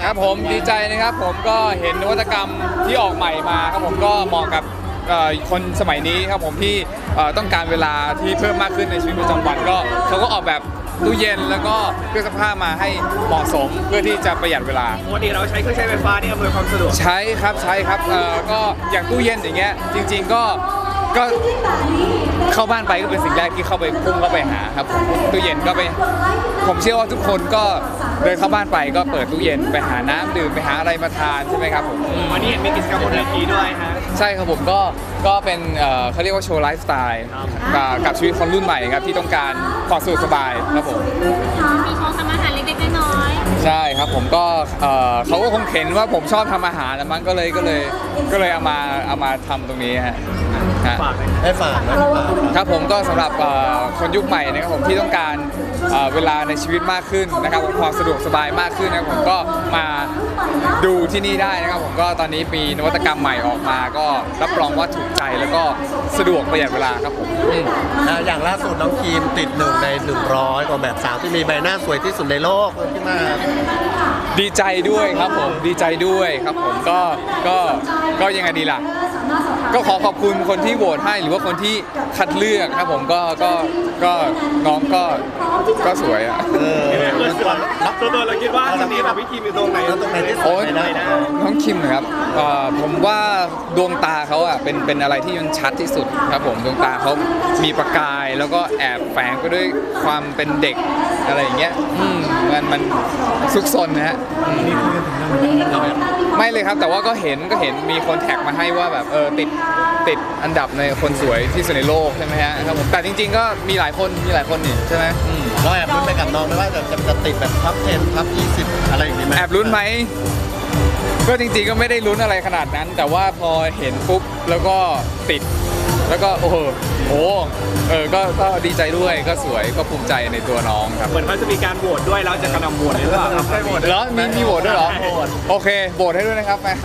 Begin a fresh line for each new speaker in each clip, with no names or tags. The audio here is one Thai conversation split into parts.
ครับผมดีใจนะครับผมก็เห็นนวัตกรรมที่ออกใหม่มาครับผมก็เหมาะกับคนสมัยนี้ครับผมที่ต้องการเวลาที่เพิ่มมากขึ้นในชีวิตประจำวันก็เขาก็ออกแบบตู้เย็นแล้วก็เครื่องซักผ้ามาให้เหมาะสมเพื่อที่จะประหยัดเวลา
ปกติเราใช้เครื่องใช้ไฟฟ้านี่อำนวยความสะดวก
ใช้ครับก็อย่างตู้เย็นอย่างเงี้ยจริงๆก็เข้าบ้านไปก็เป็นสิ่งแรกที่เข้าไปพุ่งเข้าไปหาครับตู้เย็นก็ไปผมเชื่อว่าทุกคนก็เดินเข้าบ้านไปก็เปิดตู้เย็นไปหาน้ำดื่มไปหาอะไรมาทานใช่ไหมครับผม
วันนี้เห็นมีกิจกรรมบนเวทีด้วยฮะ
ใช่ครับผมก็เป็นเขาเรียกว่าโชว์ไลฟ์สไตล์กับชีวิตคนรุ่นใหม่ครับที่ต้องการความสะดวกสบายครับผม
มีโชว์ทำอาหารเล็กๆน้อย
ใช่ครับผมก็เขาก็คงเห็นว่าผมชอบทำอาหารแล้วมั้งก็เลยเอามาทำตรงนี้ฮะ
ฝาก
ให้ฝาก
ครับผมก็สำหรับคนยุคใหม่นะครับผมที่ต้องการเวลาในชีวิตมากขึ้นนะครับความสะดวกสบายมากขึ้นนะครับผมก็มาดูที่นี่ได้นะครับผมก็ตอนนี้มีนวัตกรรมใหม่ออกมาก็รับรองว่าถูกใจแล้วก็สะดวกประหยัดเวลาครับผม
อย่างล่าสุดน้องคีมติด1 ใน 100ของแบบสาวที่มีใบหน้าสวยที่สุดในโลกขึ้นมา
ดีใจด้วยครับผมดีใจด้วยครับผมก็ยังไงดีล่ะก็ขอขอบคุณคนที่โหวตให้หรือว่าคนที่คัดเลือกครับผมก็น้องก็สวยอ่ะ
ตัวเราคิดว่าจะมีแบบพี่คิมอยู่ตรงไหนที่สุดในได้
น้องคิมครับผมว่าดวงตาเขาอ่ะเป็นอะไรที่มันชัดที่สุดครับผมดวงตาเขามีประกายแล้วก็แอบแฝงไปด้วยความเป็นเด็กอะไรอย่างเงี้ยมันซุกซนนะฮะไม่เลยครับแต่ว่าก็เห็นมีคนแท็กมาให้ว่าแบบติดอันดับในคนสวยที่สุดในโลกใช่ไหมฮะครับผมแต่จริงๆก็มีหลายคนนี่ใช่ไหม
เราแอบลุ้นไปกับน้องไหมว่าจะติดแบบท็อป 10 ท็อป 20 อะไรอย่างนี้ไหม
แอบลุ้นไหมก็จริงๆก็ไม่ได้ลุ้นอะไรขนาดนั้นแต่ว่าพอเห็นปุ๊บแล้วก็ติดแล้วก็โอ้โหก็ดีใจด้วยก็สวยก็ภูมิใจในตัวน้องครับ
เหมือนเขาจะมีการโหวตด้วยเราจะกระนำโหวตหรือเปล่าใช่โหวต
แล้วมีโหวตด้วยเหรอโอเคโหวตให้ด้วยนะครับแม่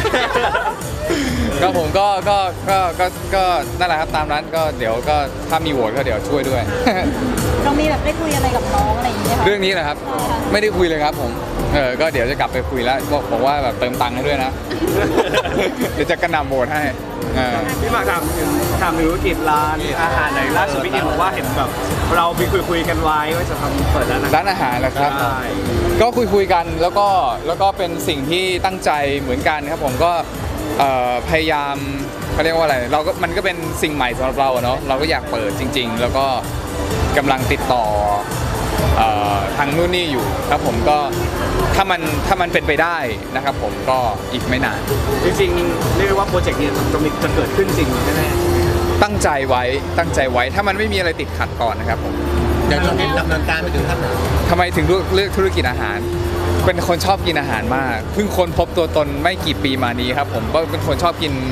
ก็ผมก็นั่นแหละครับตามนั้นก็เดี๋ยวก็ถ้ามีโหวตก็เดี๋ยวช่วยด้วย
เรามีแบบได้คุยอะไรกับน้องอะไรอย่างเงี้ย
เรื่องนี้แหละครับไม่ได้คุยเลยครับผมก็เดี๋ยวจะกลับไปคุยแล้วบอกว่าแบบเติมตังค์ให้ด้วยนะเดี๋ยวจะกระหน่ำโหวตให้
พี่มาถามถึงธุรกิจร้านอาหารไหนล่าสุดพี่คิมบอกว่าเห็นแบบเราไปคุยกันไว้ว่าจะทำเปิดร้านอาหาร
นะครับก็คุยกันแล้วก็เป็นสิ่งที่ตั้งใจเหมือนกันครับผมก็พยายามเขาเรียกว่าอะไรมันก็เป็นสิ่งใหม่สำหรับเราเนาะเราก็อยากเปิดจริงๆแล้วก็กำลังติดต่อทางนู่นนี่อยู่ครับผมก็ถ้ามันเป็นไปได้นะครับผมก็อีกไม่นาน
จริงๆเรียกว่าโปรเจกต์นี้จะเกิดขึ้นจริงแน่
ๆตั้งใจไว้ถ้ามันไม่มีอะไรติดขัดก่อนนะครับผม
อย่างตอนนี้ดำเนินการไปถึงขั้นไหน
ทำไมถึงเลือกธุรกิจอาหารเป็นคนชอบกินอาหารมากเพิ่งค้นพบตัวตนไม่กี่ปีมานี้ครับผมก็เป็นคนชอบกิน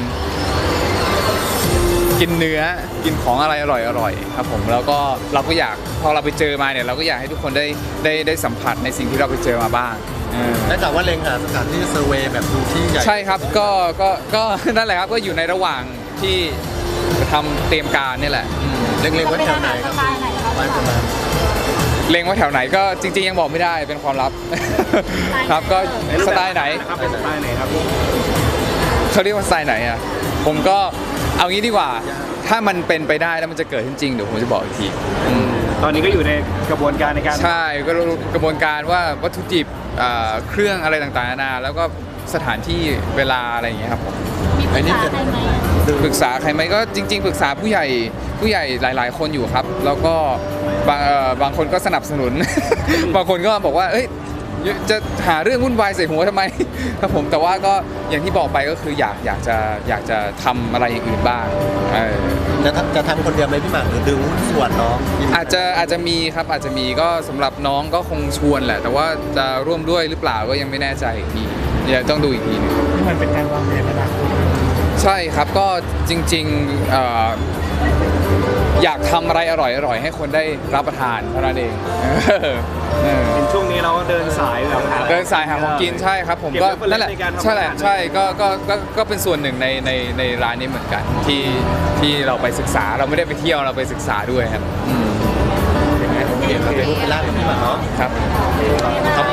เนื้อกินของอะไรอร่อยครับผมแล้วก็เราก็อยากพอเราไปเจอมาเนี่ยเราก็อยากให้ทุกคนได้สัมผัสในสิ่งที่เราไปเจอมาบ้าง
และจากว่าเล็งหาสถานที่เซอร์เวย์แบบดูที่ใหญ่
ใช่ครับก็นั่นแหละครับก็อยู่ในระหว่างที่ทำเตรียมการนี่แหละ
เล็งไว้แถวไหนครับไปประมาณ
เล็งไว้แถวไหนก็จริงๆยังบอกไม่ได้เป็นความลับครับก็สไตล์ไหน
เป็นสไตล์ไหนครับ
เขาเรียกว่าสไตล์ไหนอ่ะผมก็เอางี้ดีกว่าถ้ามันเป็นไปได้แล้วมันจะเกิดขึ้นจริงเดี๋ยวผมจะบอกอีกที
ตอนนี้ก็อยู่ในกระบวนการในการ
ใช่ก็กระบวนการว่าวัตถุดิบเครื่องอะไรต่างๆนานาแล้วก็สถานที่เวลาอะไรอย่างเงี้ยครับผมปรึกษาใครไหมก็จริงๆปรึกษาผู้ใหญ่หลายๆคนอยู่ครับแล้วก็บางคนก็สนับสนุน บางคนก็บอกว่าเอ้ยจะหาเรื่องวุ่นวายใส่หัวทำไมครับผมแต่ว่าก็อย่างที่บอกไปก็คืออยากจะทำอะไรอย่างอื่นบ้าง
จะทำคนเดียวไหมพี่หมากหรือดึงส่วนน้อง
อาจจะมีครับอาจจะมีก็สำหรับน้องก็คงชวนแหละแต่ว่าจะร่วมด้วยหรือเปล่าก็ยังไม่แน่ใจอีกทีเดี๋ยวต้องดูอีกทีนึง
มันเป็นการวางแผนอนาคต
ใช่ครับก็จริงๆอยากทำอะไรอร่อยให้คนได้รับประทานเท่านั้นเอง
ช่วงนี้เราก็เดินสาย
หาของกินใช่ครับผมก็นั่นแหละใช่ก็เป็นส่วนหนึ่งในร้านนี้เหมือนกันที่เราไปศึกษาเราไม่ได้ไปเที่ยวเราไปศึกษาด้วยครับ
โอเคเป็นร้านของพี่หมาเนาะ
ครับ